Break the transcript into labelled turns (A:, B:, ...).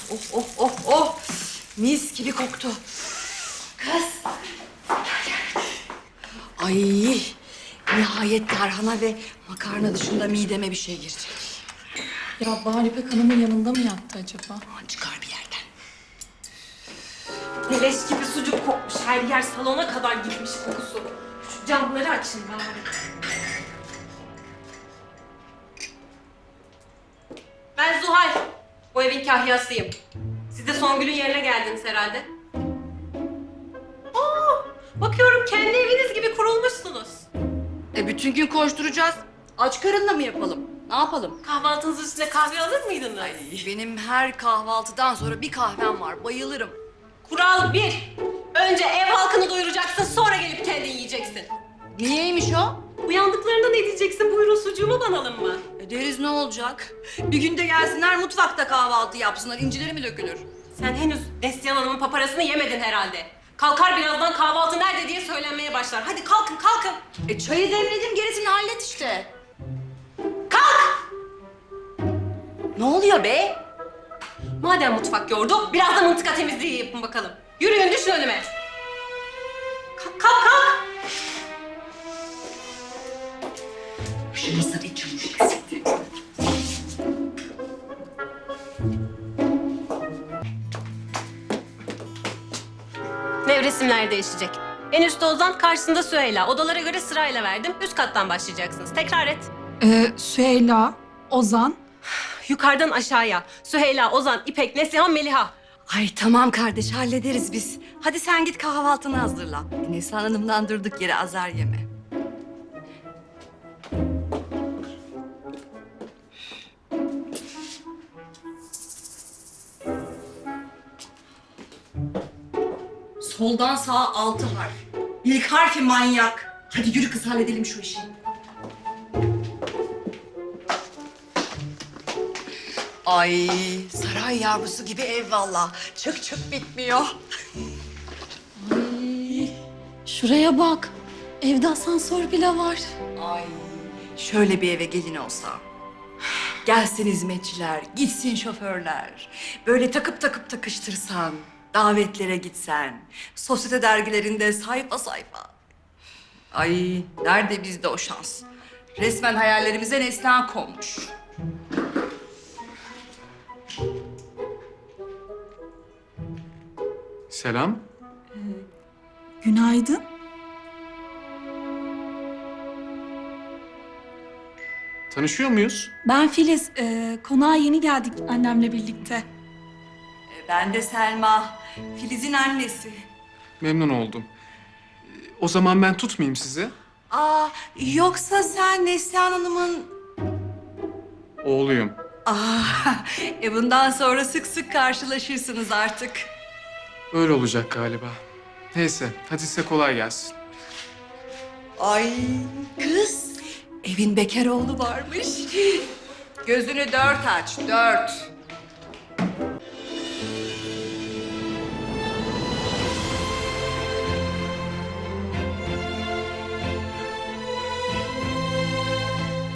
A: Oh. Mis gibi koktu. Kız. Ay, nihayet tarhana ve makarna dışında mideme bir şey girecek.
B: Ya Bahar İpek Hanım'ın yanında mı yattı acaba?
A: Aman çıkar bir yerden.
C: Leş gibi sucuk kokmuş. Her yer salona kadar gitmiş kokusu. Şu camları açın bari. Ben Zuhal. Bu evin kahyasıyım. Siz de Songül'ün yerine geldiniz herhalde. Bakıyorum kendi eviniz gibi kurulmuşsunuz.
A: Bütün gün koşturacağız. Aç karınla mı yapalım? Ne yapalım?
C: Kahvaltınızın üstüne kahve alır mıydınız?
A: Benim her kahvaltıdan sonra bir kahvem var. Bayılırım.
C: Kural 1. Önce ev halkını doyuracaksın, sonra gelip kendin yiyeceksin.
A: Niyeymiş o?
C: Uyandıklarında ne diyeceksin? Buyurun sucuğumu banalım mı?
A: Deriz ne olacak? Bir günde gelsinler mutfakta kahvaltı yapsınlar. İncileri mi dökülür?
C: Sen henüz Neslihan Hanım'ın paparasını yemedin herhalde. Kalkar birazdan kahvaltı nerede diye söylenmeye başlar. Hadi kalkın.
A: Çayı demledim, gerisini hallet işte.
C: Kalk!
A: Ne oluyor be?
C: Madem mutfak yordu, biraz da mıntıka temizliği yapın bakalım. Yürüyün, düşün önüme. Kalk!
A: Şu mısır içmiş eksikti.
C: Nevresimler değişecek. En üstte Ozan, karşısında Süheyla. Odalara göre sırayla verdim. Üst kattan başlayacaksınız. Tekrar et.
B: Süheyla, Ozan.
C: Yukarıdan aşağıya. Süheyla, Ozan, İpek, Neslihan, Meliha.
A: Ay tamam kardeş, hallederiz biz. Hadi sen git kahvaltını hazırla. Neslihan Hanım'dan durduk yere azar yeme. Soldan sağa 6 harf. İlk harfi manyak. Hadi yürü kız, halledelim şu işi. Ay saray yavrusu gibi ev valla. Çık bitmiyor.
B: Şuraya bak. Evde asansör bile var.
A: Ay şöyle bir eve gelin olsa. Gelsin hizmetçiler, gitsin şoförler. Böyle takıp takıştırsan, davetlere gitsen, sosyete dergilerinde sayfa sayfa. Ay nerede bizde o şans? Resmen hayallerimize neslihan konmuş.
D: Selam.
B: Günaydın.
D: Tanışıyor muyuz?
B: Ben Filiz. Konağa yeni geldik annemle birlikte.
A: Ben de Selma, Filiz'in annesi.
D: Memnun oldum. O zaman ben tutmayayım sizi.
A: Aa, yoksa sen Neslihan Hanım'ın...
D: Oğluyum.
A: Bundan sonra sık sık karşılaşırsınız artık.
D: Öyle olacak galiba. Neyse, hadi size kolay gelsin.
A: Ay kız, evin bekar oğlu varmış. Gözünü 4 aç, 4.